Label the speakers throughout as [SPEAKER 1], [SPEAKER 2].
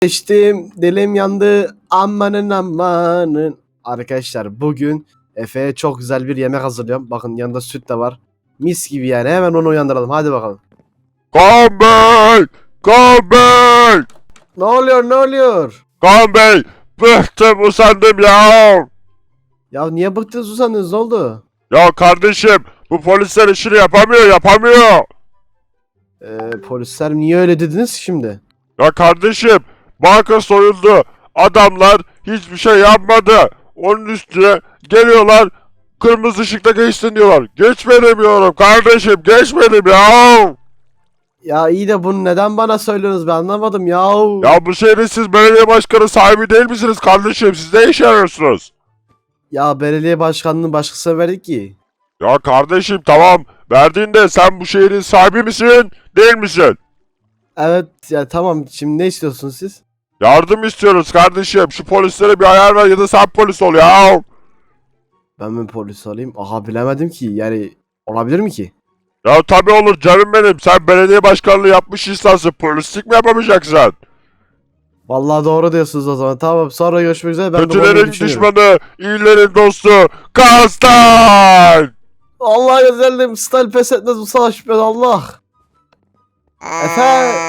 [SPEAKER 1] Geçtim, dilim yandı, amanın amanın. Arkadaşlar bugün Efe'ye çok güzel bir yemek hazırlıyorum. Bakın yanında süt de var. Mis gibi yani, hemen onu uyandıralım, hadi bakalım.
[SPEAKER 2] Kaan Bey! Kaan Bey!
[SPEAKER 1] Ne oluyor, ne oluyor?
[SPEAKER 2] Kaan Bey! Bıktım, usandım ya!
[SPEAKER 1] Ya niye bıktınız, usandınız, ne oldu?
[SPEAKER 2] Ya kardeşim, bu polisler işini yapamıyor!
[SPEAKER 1] Polisler niye öyle dediniz şimdi?
[SPEAKER 2] Ya kardeşim, banka soyuldu. Adamlar hiçbir şey yapmadı. Onun üstüne geliyorlar, kırmızı ışıkta geçsin diyorlar. Geçmedim diyorum kardeşim, geçmedim ya!
[SPEAKER 1] Ya iyi de bunu neden bana söylüyorsunuz, ben anlamadım ya.
[SPEAKER 2] Ya bu şehrin siz belediye başkanı sahibi değil misiniz kardeşim? Siz ne işe yarıyorsunuz?
[SPEAKER 1] Ya belediye başkanlığını başkasına verdik ki.
[SPEAKER 2] Ya kardeşim tamam, verdiğinde sen bu şehrin sahibi misin, değil misin?
[SPEAKER 1] Evet ya, tamam, şimdi ne istiyorsunuz siz?
[SPEAKER 2] Yardım istiyoruz kardeşim. Şu polislere bir ayar ver ya da sen polis ol ya.
[SPEAKER 1] Ben mi polis olayım? Aha, bilemedim ki, yani olabilir mi ki?
[SPEAKER 2] Ya tabii olur canım benim. Sen belediye başkanlığı yapmış insansın. Polislik mi yapamayacaksın?
[SPEAKER 1] Vallahi doğru diyorsunuz o zaman. Tamam, sonra görüşmek üzere. Ben de
[SPEAKER 2] Kötülerin
[SPEAKER 1] bunu düşünüyorum.
[SPEAKER 2] düşmanı, iyilerin dostu. Kastan!
[SPEAKER 1] Allah güzelliğim, stal pes etmez bu savaş, ben Allah. Efe.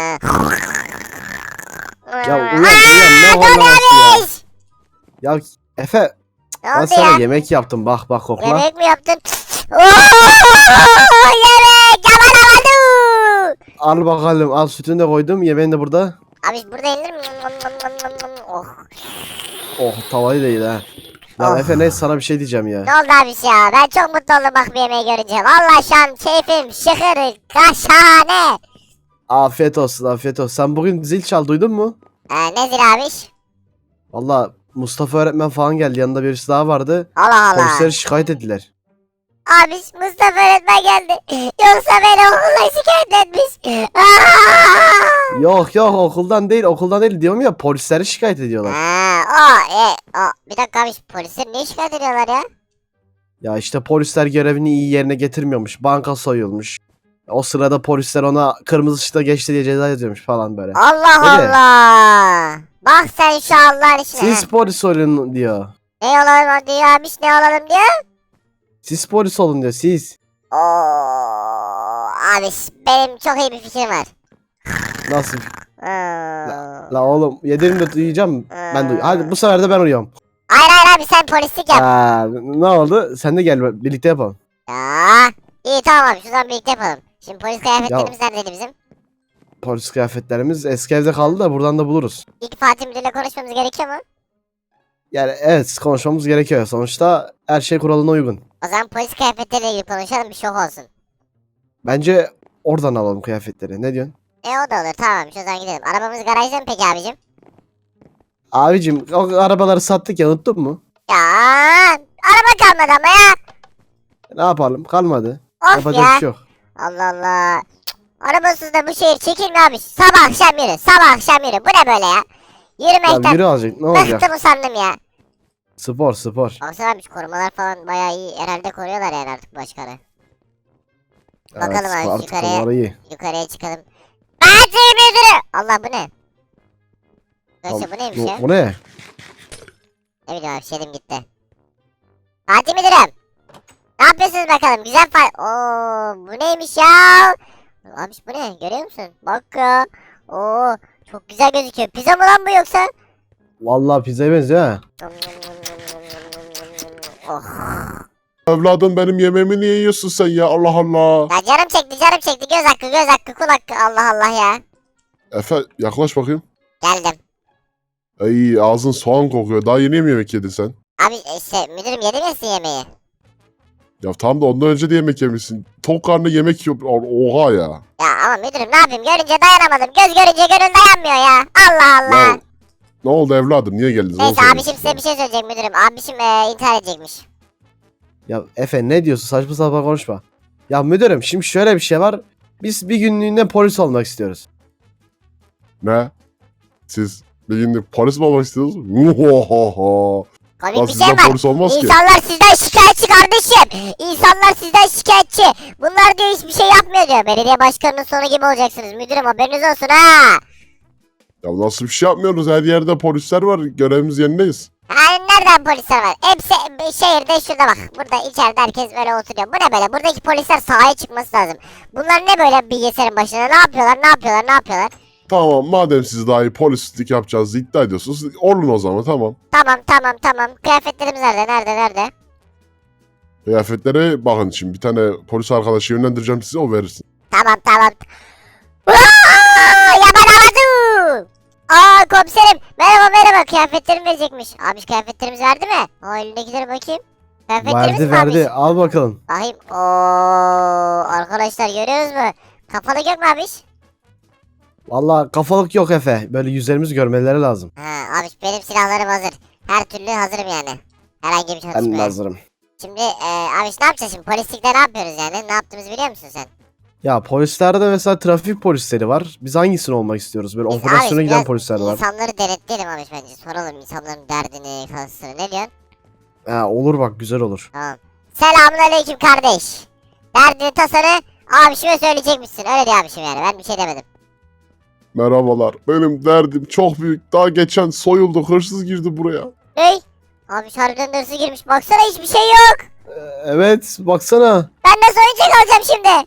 [SPEAKER 1] Ya uyan ne horlaması ya. Ya Efe,
[SPEAKER 3] Ne
[SPEAKER 1] ben
[SPEAKER 3] oldu
[SPEAKER 1] sana
[SPEAKER 3] ya?
[SPEAKER 1] yemek yaptım, bak kokla.
[SPEAKER 3] Yemek mi yaptın? Yemek yapamadım.
[SPEAKER 1] Al bakalım, al, sütünü de koydum, yemeğin de burada.
[SPEAKER 3] Abi burada yenir mi? Oh.
[SPEAKER 1] Oh, tavayı değil ha. Ya
[SPEAKER 3] Oh.
[SPEAKER 1] Efe, neyse, sana bir şey diyeceğim ya.
[SPEAKER 3] Ne oldu abi ya? Ben çok mutlu oldum bak bu yemeği görünce. Vallahi şu an keyfim şıkır kaşane.
[SPEAKER 1] Afiyet olsun, afiyet olsun. Sen bugün zil çal, duydun mu?
[SPEAKER 3] Nedir abiş?
[SPEAKER 1] Valla Mustafa öğretmen falan geldi, yanında birisi daha vardı.
[SPEAKER 3] Allah Allah.
[SPEAKER 1] Polisleri şikayet ettiler.
[SPEAKER 3] Abiş Mustafa öğretmen geldi. Yoksa beni okula şikayet etmiş. Aa!
[SPEAKER 1] Yok okuldan değil diyorum ya, polisleri şikayet ediyorlar.
[SPEAKER 3] Bir dakika abi polisler ne şikayet ediyorlar ya?
[SPEAKER 1] Ya işte polisler görevini iyi yerine getirmiyormuş. Banka soyulmuş. O sırada polisler ona kırmızı ışıkta geçti diye ceza yazıyormuş falan böyle.
[SPEAKER 3] Allah
[SPEAKER 1] Öyle.
[SPEAKER 3] Allah. Bak sen şu Allah'ın işine.
[SPEAKER 1] Siz polis olun diyor.
[SPEAKER 3] Ne olalım diyor abiş ne olalım diyor.
[SPEAKER 1] Siz polis olun diyor, siz.
[SPEAKER 3] Oo, abiş benim çok iyi bir fikrim var.
[SPEAKER 1] Nasıl?
[SPEAKER 3] Hmm.
[SPEAKER 1] La oğlum, yedirim de duyacağım. Ben duy. Hadi bu sefer de ben uyuyorum.
[SPEAKER 3] Hayır abi sen polislik yap.
[SPEAKER 1] Ne oldu? Sen de gel, birlikte yapalım.
[SPEAKER 3] Ya. İyi tamam abi şuradan birlikte yapalım. Şimdi polis kıyafetlerimiz neredeydi bizim?
[SPEAKER 1] Polis kıyafetlerimiz eski evde kaldı da buradan da buluruz.
[SPEAKER 3] İlk Fatih Müdür'le konuşmamız gerekiyor mu?
[SPEAKER 1] Yani evet, konuşmamız gerekiyor. Sonuçta her şey kuralına uygun.
[SPEAKER 3] O zaman polis kıyafetleriyle ilgili konuşalım bir şok olsun.
[SPEAKER 1] Bence oradan alalım kıyafetleri. Ne diyorsun?
[SPEAKER 3] O da olur tamam şu zaman gidelim. Arabamız garajda mı peki abicim?
[SPEAKER 1] Abicim, o arabaları sattık ya, unuttun mu?
[SPEAKER 3] Ya araba kalmadı ama ya.
[SPEAKER 1] Ne yapalım? Kalmadı.
[SPEAKER 3] Of
[SPEAKER 1] Yapacak
[SPEAKER 3] ya.
[SPEAKER 1] bir şey yok.
[SPEAKER 3] Allah Allah. Arabasız da bu şehir çekilmiyor abi. Sabah akşam yürü. Sabah akşam yürü. Bu ne böyle ya?
[SPEAKER 1] Ya
[SPEAKER 3] Yürümekten
[SPEAKER 1] yürü azıcık, ne olacak?
[SPEAKER 3] bıktım usandım ya.
[SPEAKER 1] Spor.
[SPEAKER 3] Baksana abi şu korumalar falan bayağı iyi. Herhalde koruyorlar yani artık başkanı.
[SPEAKER 1] Evet,
[SPEAKER 3] Bakalım abi,
[SPEAKER 1] spor, artık
[SPEAKER 3] yukarıya.
[SPEAKER 1] onları iyi.
[SPEAKER 3] Yukarıya çıkalım. Fatih Müdürü. Allah bu ne? Arkadaşlar bu neymiş ya?
[SPEAKER 1] Bu ne?
[SPEAKER 3] Ne bileyim abi şeydim gitti. Fatih Müdürüm. Ne yapıyorsunuz bakalım? Güzel Oo bu neymiş ya? Abi bu ne? Görüyor musun? Bak ya. Oo çok güzel gözüküyor. Pizza mı lan bu yoksa?
[SPEAKER 1] Vallahi pizzaya benziyor ha.
[SPEAKER 3] Oh.
[SPEAKER 2] Evladım benim yemeğimi niye yiyorsun sen ya? Allah Allah.
[SPEAKER 3] Ya canım çekti. Göz hakkı, kul hakkı. Allah Allah ya.
[SPEAKER 2] Efe yaklaş bakayım.
[SPEAKER 3] Geldim.
[SPEAKER 2] Ay ağzın soğan kokuyor. Daha yeni mi yemek yedin sen?
[SPEAKER 3] Abi işte müdürüm yedim ya sizin yemeği.
[SPEAKER 2] Ya tam da ondan önce de yemek yemişsin. Tok karnı yemek yiyor. Oha ya.
[SPEAKER 3] Ya ama müdürüm ne yapayım? Görünce dayanamadım. Göz görünce gönül dayanmıyor ya. Allah Allah.
[SPEAKER 2] Ya ne oldu evladım? Niye geldiniz? Onu
[SPEAKER 3] Neyse
[SPEAKER 2] söyleyin
[SPEAKER 3] abişim size
[SPEAKER 2] size.
[SPEAKER 3] bir şey söyleyecek müdürüm. Abişim intihar edecekmiş.
[SPEAKER 1] Ya Efe, ne diyorsun? Saçma sapan konuşma. Ya müdürüm, şimdi şöyle bir şey var. Biz bir günlüğüne polis olmak istiyoruz.
[SPEAKER 2] Ne? Siz bir günlük polis mi olmak istiyorsunuz? Muhahaha.
[SPEAKER 3] Komik
[SPEAKER 2] Lan
[SPEAKER 3] bir şey
[SPEAKER 2] sizden
[SPEAKER 3] var.
[SPEAKER 2] polis olmaz ki.
[SPEAKER 3] İnsanlar sizden şikayetçi kardeşim. İnsanlar sizden şikayetçi. Bunlar diyor hiçbir şey yapmıyor diyor. Belediye başkanının sonu gibi olacaksınız. Müdürüm haberiniz olsun ha.
[SPEAKER 4] Ya nasıl bir şey yapmıyoruz? Her yerde polisler var. Görevimiz yerindeyiz.
[SPEAKER 3] Yani nereden polisler var? Hepsi şehirde şurada bak. Burada içeride herkes böyle oturuyor. Bu ne böyle? Buradaki polisler sahaya çıkması lazım. Bunlar ne böyle bilgisayarın başına? Ne yapıyorlar? Ne yapıyorlar? Ne yapıyorlar?
[SPEAKER 4] Tamam, madem siz daha iyi polislik yapacağınızı iddia ediyorsunuz. Olun o zaman, tamam.
[SPEAKER 3] Tamam. Kıyafetlerimiz nerede?
[SPEAKER 4] Kıyafetlere bakın şimdi. Bir tane polis arkadaşı yönlendireceğim size, o verirsin.
[SPEAKER 3] Tamam. Yaban. Komiserim. Merhaba. Kıyafetlerimi verecekmiş. Abi kıyafetlerimiz verdi mi? Elindekileri bakayım. Kıyafetlerimiz mi
[SPEAKER 1] Verdi.
[SPEAKER 3] abiş?
[SPEAKER 1] Al bakalım.
[SPEAKER 3] Bakayım. Arkadaşlar görüyoruz mu? Kafalı yok mu abiş?
[SPEAKER 1] Valla kafalık yok Efe. Böyle yüzlerimizi görmeleri lazım.
[SPEAKER 3] Ha abiş benim silahlarım hazır. Her türlü hazırım yani. Herhangi bir
[SPEAKER 1] Ben de
[SPEAKER 3] çalışmaya.
[SPEAKER 1] hazırım.
[SPEAKER 3] Şimdi abiş ne yapacağız şimdi? Polislikte ne yapıyoruz yani? Ne yaptığımızı biliyor musun sen?
[SPEAKER 1] Ya polislerde mesela trafik polisleri var. Biz hangisini olmak istiyoruz? Böyle
[SPEAKER 3] Biz
[SPEAKER 1] operasyona
[SPEAKER 3] abi
[SPEAKER 1] giden
[SPEAKER 3] biraz
[SPEAKER 1] polisler var.
[SPEAKER 3] İnsanları denetleyelim abiş bence. Soralım insanların derdini, kasını. Ne diyorsun?
[SPEAKER 1] Olur bak, güzel olur.
[SPEAKER 3] Tamam. Selamünaleyküm kardeş. Derdini tasanı abişime söyleyecekmişsin. Öyle diyor abişim yani. Ben bir şey demedim.
[SPEAKER 4] Merhabalar. Benim derdim çok büyük. Daha geçen soyulduk. Hırsız girdi buraya.
[SPEAKER 3] Ney? Abiş harbiden hırsı girmiş. Baksana hiçbir şey yok.
[SPEAKER 1] Evet, baksana.
[SPEAKER 3] Ben nasıl oyuncak alacağım şimdi?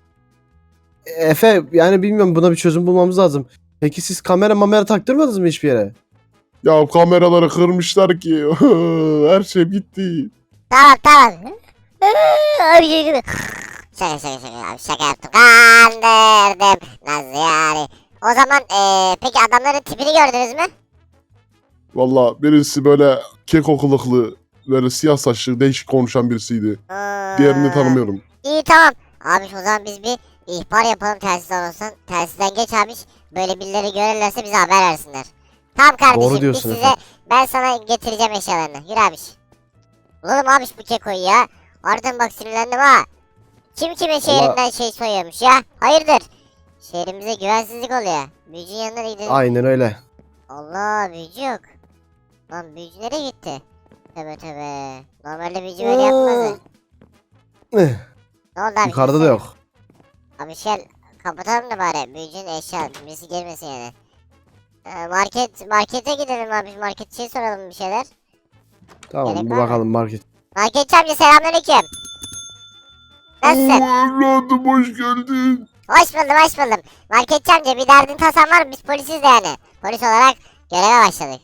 [SPEAKER 1] Efe, yani bilmiyorum, buna bir çözüm bulmamız lazım. Peki siz kamera taktırmadınız mı hiçbir yere?
[SPEAKER 4] Ya kameraları kırmışlar ki. Her şey gitti.
[SPEAKER 3] Tamam. Abi şey gibi. Şaka abi şaka yaptım. Kandırdım. Nasıl yani? O zaman peki adamların tipini gördünüz mü?
[SPEAKER 4] Valla birisi böyle keko kılıklı, böyle siyah saçlı, değişik konuşan birisiydi. Diğerini tanımıyorum.
[SPEAKER 3] İyi tamam. Abi o zaman biz bir ihbar yapalım telsizden olsun. Telsizden geç abi. Böyle birileri görürlerse bize haber versinler. Tamam kardeşim
[SPEAKER 1] Doğru diyorsun
[SPEAKER 3] biz size
[SPEAKER 1] efendim.
[SPEAKER 3] ben sana getireceğim eşyalarını. Yürü abi. Bulalım abi bu kekoyu ya. Ardından bak sinirlendim ha. Kim kimin şehrinden şey soyuyormuş ya? Hayırdır? Şehrimize güvensizlik oluyor. Büyücünün yanına gidelim.
[SPEAKER 1] Aynen öyle.
[SPEAKER 3] Allah büyücü yok. Lan büyücü nereye gitti? Tövbe. Normalde büyücü böyle yapmazdı.
[SPEAKER 1] Eh,
[SPEAKER 3] Ne oldu abi?
[SPEAKER 1] Yukarıda da
[SPEAKER 3] kimse-
[SPEAKER 1] yok.
[SPEAKER 3] Abi kapatalım da bari büyücünün eşya birisi gelmesin yani. Markete gidelim abi market şey soralım bir şeyler.
[SPEAKER 1] Tamam,
[SPEAKER 3] Gerek
[SPEAKER 1] bir
[SPEAKER 3] var mı?
[SPEAKER 1] bakalım market.
[SPEAKER 3] Marketçi amca selamünaleyküm. Nasılsın?
[SPEAKER 4] Evladım hoş geldin.
[SPEAKER 3] Hoş buldum. Marketçi amca bir derdin tasan var mı? Biz polisiz de yani. Polis olarak göreve başladık.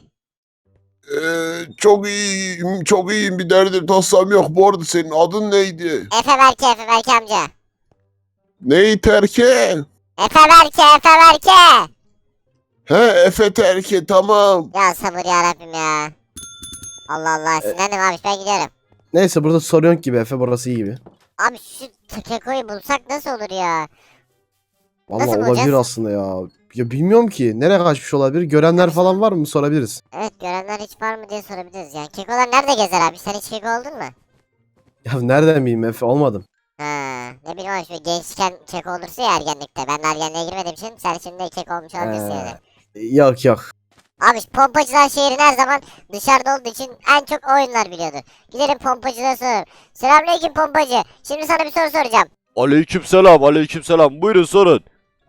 [SPEAKER 4] Çok iyiyim, bir derdim tasam yok. Bu arada senin adın neydi?
[SPEAKER 3] Efe Berke amca.
[SPEAKER 4] Ney terke?
[SPEAKER 3] Efe Berke.
[SPEAKER 4] He, Efe terke, tamam.
[SPEAKER 3] Ya sabır ya Rabbim ya. Allah sinirlendim abi ben gidiyorum.
[SPEAKER 1] Neyse, burada sorun yok gibi Efe, burası iyi gibi.
[SPEAKER 3] Abi şu kekoyu bulsak nasıl olur ya?
[SPEAKER 1] Vallahi
[SPEAKER 3] Nasıl
[SPEAKER 1] olabilir
[SPEAKER 3] bulacağız?
[SPEAKER 1] aslında ya. Ya bilmiyorum ki. Nereye kaçmış olabilir? Görenler falan var mı? Sorabiliriz.
[SPEAKER 3] Evet görenler hiç var mı diye sorabiliriz yani. Kekolar nerede gezer abi? Sen hiç keko oldun mu?
[SPEAKER 1] Ya nereden bileyim Efe, olmadım.
[SPEAKER 3] Ha, ne bileyim abi şöyle gençken keko olursa ya ergenlikte. Ben de ergenliğe girmediğim için sen şimdi keko olmuş olabilirsin yani.
[SPEAKER 1] Yok.
[SPEAKER 3] Abi pompacılar şehrin her zaman dışarıda olduğu için en çok o oyunlar biliyordur. Gidelim pompacılara soralım. Selamünaleyküm pompacı. Şimdi sana bir soru soracağım.
[SPEAKER 2] Aleykümselam. Buyurun sorun.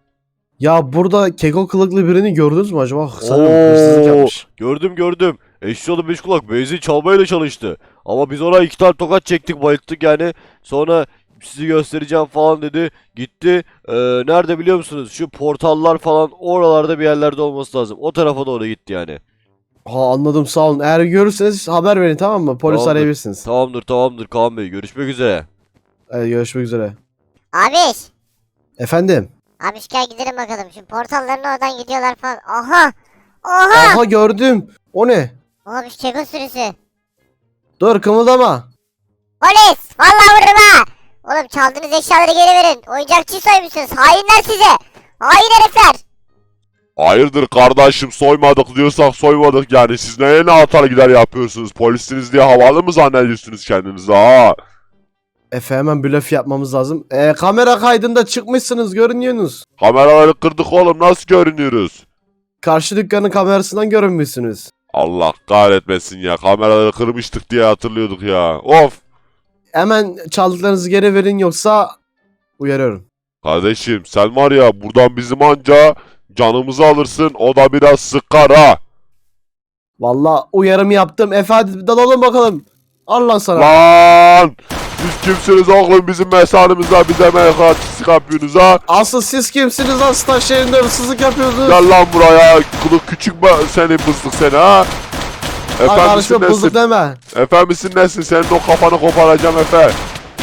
[SPEAKER 1] Ya burada keko kılıklı birini gördünüz mü acaba? Sanırım hırsızlık yapmış.
[SPEAKER 2] Gördüm. Eşyalı beş kulak benzin çalmayla çalıştı. Ama biz ona 2 tane tokat çektik, bayılttık yani. Sonra sizi göstereceğim falan dedi. Gitti. Nerede biliyor musunuz? Şu portallar falan oralarda bir yerlerde olması lazım. O tarafa doğru gitti yani.
[SPEAKER 1] Ha, anladım, sağ olun. Eğer görürseniz haber verin, tamam mı? Polis
[SPEAKER 2] Tamamdır.
[SPEAKER 1] arayabilirsiniz.
[SPEAKER 2] Tamamdır Kaan Bey. Görüşmek üzere.
[SPEAKER 1] Görüşmek üzere.
[SPEAKER 3] Abiş.
[SPEAKER 1] Efendim?
[SPEAKER 3] Abiş gel gidelim bakalım. Şu portalların oradan gidiyorlar falan. Aha.
[SPEAKER 1] Aha, gördüm. O ne?
[SPEAKER 3] Abiş keko sürüsü.
[SPEAKER 1] Dur, kımıldama.
[SPEAKER 3] Polis. Vallahi vururum ha. Oğlum çaldığınız eşyaları geri verin. Oyuncakçıyı soymuşsunuz. Hainler size. Hain herifler.
[SPEAKER 2] Hayırdır kardeşim, soymadık diyorsak soymadık yani. Siz neye ne atar gider yapıyorsunuz? Polisiniz diye havalı mı zannediyorsunuz kendinizi ha?
[SPEAKER 1] Efe, hemen blöf yapmamız lazım. Kamera kaydında çıkmışsınız, görünüyorsunuz.
[SPEAKER 2] Kameraları kırdık oğlum, nasıl görünüyoruz?
[SPEAKER 1] Karşı dükkanın kamerasından görünmüşsünüz.
[SPEAKER 2] Allah kahretmesin ya, kameraları kırmıştık diye hatırlıyorduk ya. Of!
[SPEAKER 1] Hemen çaldıklarınızı geri verin, yoksa uyarıyorum.
[SPEAKER 2] Kardeşim sen var ya, buradan bizim anca canımızı alırsın, o da biraz sıkar ha.
[SPEAKER 1] Vallahi uyarımı yaptım. Efe hadi dalalım bakalım. Allah sana.
[SPEAKER 2] Lan! Siz kimsiniz oğlum, bizim mesanımızda bize meyhatçısı yapıyorsunuz ha?
[SPEAKER 1] Asıl siz kimsiniz lan, staj şehrinde hırsızlık yapıyorsunuz?
[SPEAKER 2] Gel lan buraya, kılık küçük seni bızlık seni ha?
[SPEAKER 1] Ay
[SPEAKER 2] Efe
[SPEAKER 1] karışma,
[SPEAKER 2] misin
[SPEAKER 1] bozuk
[SPEAKER 2] nesin?
[SPEAKER 1] deme.
[SPEAKER 2] Efe misin nesin? Senin o kafanı koparacağım Efe.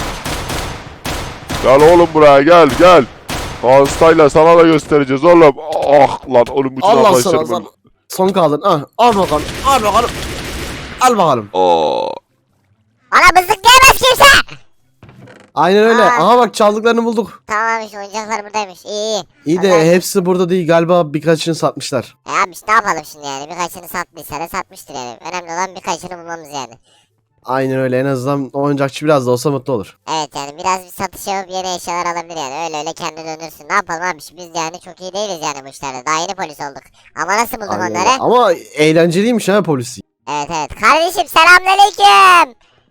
[SPEAKER 2] Gel oğlum buraya, gel. Hastayla sana da göstereceğiz oğlum. Ah lan oğlum, bütün
[SPEAKER 1] Allah sana
[SPEAKER 2] arkadaşlarım.
[SPEAKER 1] sana. Son kaldın. Ah, al bakalım. Al bakalım. Al bakalım.
[SPEAKER 2] Aa.
[SPEAKER 3] Bana mızık diyemez kimse.
[SPEAKER 1] Aynen öyle.
[SPEAKER 3] Aa.
[SPEAKER 1] Aha bak, çaldıklarını bulduk.
[SPEAKER 3] Tamammış, oyuncaklar buradaymış. İyi.
[SPEAKER 1] İyi de
[SPEAKER 3] Vallahi-
[SPEAKER 1] hepsi burada değil. Galiba birkaçını satmışlar.
[SPEAKER 3] Abi işte ne yapalım şimdi yani? Birkaçını sattıysa da satmıştır yani. Önemli olan birkaçını bulmamız yani.
[SPEAKER 1] Aynen öyle. En azından o oyuncakçı biraz da olsa mutlu olur.
[SPEAKER 3] Evet yani biraz bir satış yapıp yeni eşyalar alabilir yani. Öyle kendine dönürsün. Ne yapalım abi? Biz yani çok iyi değiliz yani bu işlerde. Daha yeni polis olduk. Ama nasıl bulduk
[SPEAKER 1] Aynen
[SPEAKER 3] onları?
[SPEAKER 1] öyle. Ama eğlenceliymiş ha polisi.
[SPEAKER 3] Evet. Kardeşim selamünaleyküm.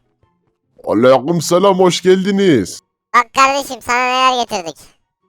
[SPEAKER 4] Aleyküm selam, hoş geldiniz.
[SPEAKER 3] Bak kardeşim sana neler getirdik.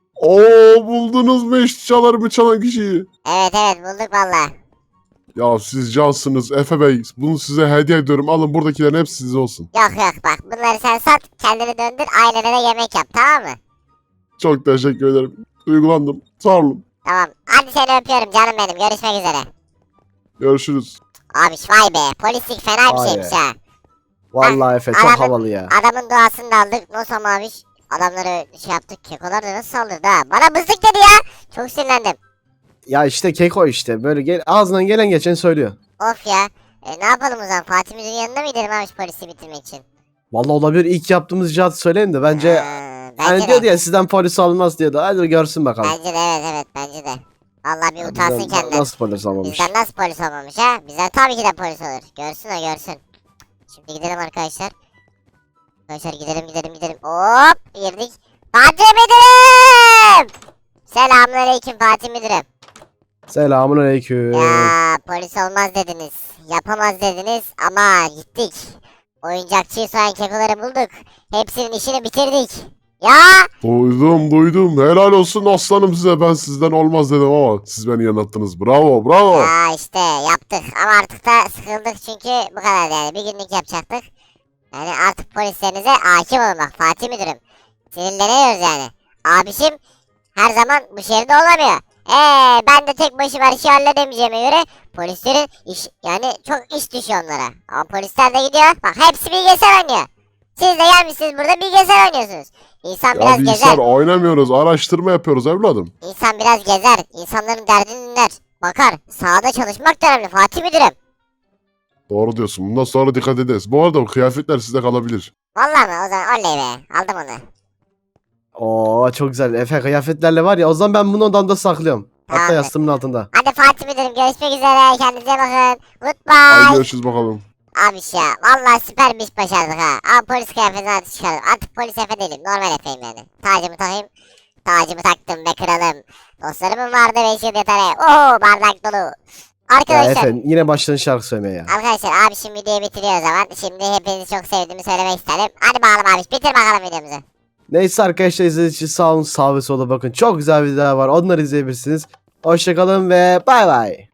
[SPEAKER 4] Oo, buldunuz mu eşyalarımı çalan kişiyi?
[SPEAKER 3] Evet bulduk valla.
[SPEAKER 4] Ya siz cansınız Efe Bey. Bunu size hediye ediyorum. Alın, buradakilerin hepsi size olsun.
[SPEAKER 3] Yok bak bunları sen sat. Kendini döndür. Ailelere yemek yap, tamam mı?
[SPEAKER 4] Çok teşekkür ederim. Duygulandım. Sağ olun.
[SPEAKER 3] Tamam. Hadi seni öpüyorum canım benim. Görüşmek üzere.
[SPEAKER 4] Görüşürüz.
[SPEAKER 3] Abi vay be. Polislik fena bir
[SPEAKER 1] Vay
[SPEAKER 3] şeymiş
[SPEAKER 1] be.
[SPEAKER 3] ha.
[SPEAKER 1] Vallahi Efe çok
[SPEAKER 3] adamın-
[SPEAKER 1] havalı ya.
[SPEAKER 3] Adamın duasını da aldık. Nosam abiş. Adamları şey yaptık. Kekolar da nasıl saldırdı ha. Bana mızık dedi ya. Çok sinirlendim.
[SPEAKER 1] Ya işte keko işte. Böyle ağzından gelen geçen söylüyor.
[SPEAKER 3] Of ya. Ne yapalım o zaman? Fatih Müdür'ün yanına mı gidelim abi polisi bitirmek için?
[SPEAKER 1] Vallahi olabilir. İlk yaptığımız icraatı söyleyin de bence...
[SPEAKER 3] Bence
[SPEAKER 1] Hani
[SPEAKER 3] de.
[SPEAKER 1] diyordu ya, sizden polis alınmaz diyordu. Hadi görsün bakalım.
[SPEAKER 3] Bence de evet bence de. Vallahi bir
[SPEAKER 1] Ya
[SPEAKER 3] utansın
[SPEAKER 1] bizden
[SPEAKER 3] kendinden.
[SPEAKER 1] nasıl polis almamış?
[SPEAKER 3] Bizden nasıl polis olmamış ha? Bizden tabii ki de polis olur. Görsün o görsün. Şimdi gidelim arkadaşlar. Arkadaşlar gidelim. Hop girdik. Fatih Müdürüm! Selamünaleyküm Fatih Müdürüm.
[SPEAKER 1] Selamun aleyküm.
[SPEAKER 3] Ya polis olmaz dediniz. Yapamaz dediniz ama gittik. Oyuncakçıyı soyan kekoları bulduk. Hepsinin işini bitirdik. Ya
[SPEAKER 4] Duydum. Helal olsun aslanım size. Ben sizden olmaz dedim ama siz beni yanılttınız. Bravo.
[SPEAKER 3] ya işte yaptık ama artık da sıkıldık çünkü bu kadar yani. Bir günlük yapacaktık. Yani artık polislerinize hakim olun bak Fatih Müdürüm. Sinirleniyoruz yani. Abişim her zaman bu şehirde olamıyor. Ben de tek başıma her şeyi halledemeyeceğime göre polislerin iş yani çok iş düşüyor onlara. Ama polisler de gidiyor. Bak hepsi bilgisayar oynuyor. Siz de gelmişsiniz burada bilgisayar oynuyorsunuz. İnsan
[SPEAKER 4] Ya
[SPEAKER 3] biraz
[SPEAKER 4] bilgisayar
[SPEAKER 3] gezer.
[SPEAKER 4] oynamıyoruz. Araştırma yapıyoruz evladım.
[SPEAKER 3] İnsan biraz gezer. İnsanların derdini dinler. Bakar. Sahada çalışmak da önemli Fatih Müdürüm.
[SPEAKER 4] Doğru diyorsun. Bundan sonra dikkat ederiz. Bu arada o kıyafetler sizde kalabilir.
[SPEAKER 3] Vallahi mi? O zaman oley be. Aldım onu.
[SPEAKER 1] Oo çok güzel. Efe kıyafetlerle var ya, o zaman ben bunu odamda saklıyorum. Hatta
[SPEAKER 3] Tamam.
[SPEAKER 1] yastığımın altında.
[SPEAKER 3] Hadi Fatih Müdürüm görüşmek üzere. Kendinize bakın.
[SPEAKER 4] Hadi
[SPEAKER 3] Goodbye.
[SPEAKER 4] görüşürüz bakalım.
[SPEAKER 3] Abiş ya. Vallahi süper bir iş başardık ha. Ama polis kıyafetini artık çıkardım. Artık polis Efe değilim. Normal Efe'yim yani. Tacımı takayım. Tacımı taktım be kralım. Dostlarımın vardı 5 yıl yetere. Oo bardak dolu.
[SPEAKER 1] Ya
[SPEAKER 3] Arkadaşlar.
[SPEAKER 1] Efe yine başladın şarkı söylemeye ya.
[SPEAKER 3] Arkadaşlar abi şimdi videoyu bitiriyor o zaman. Şimdi hepinizi çok sevdiğimi söylemek isterim. Hadi bakalım abi bitir bakalım videomuzu.
[SPEAKER 1] Neyse arkadaşlar, izlediğiniz için sağ olun, sağ ve sola bakın. Çok güzel videolar var. Onları izleyebilirsiniz. Hoşçakalın ve bay bay.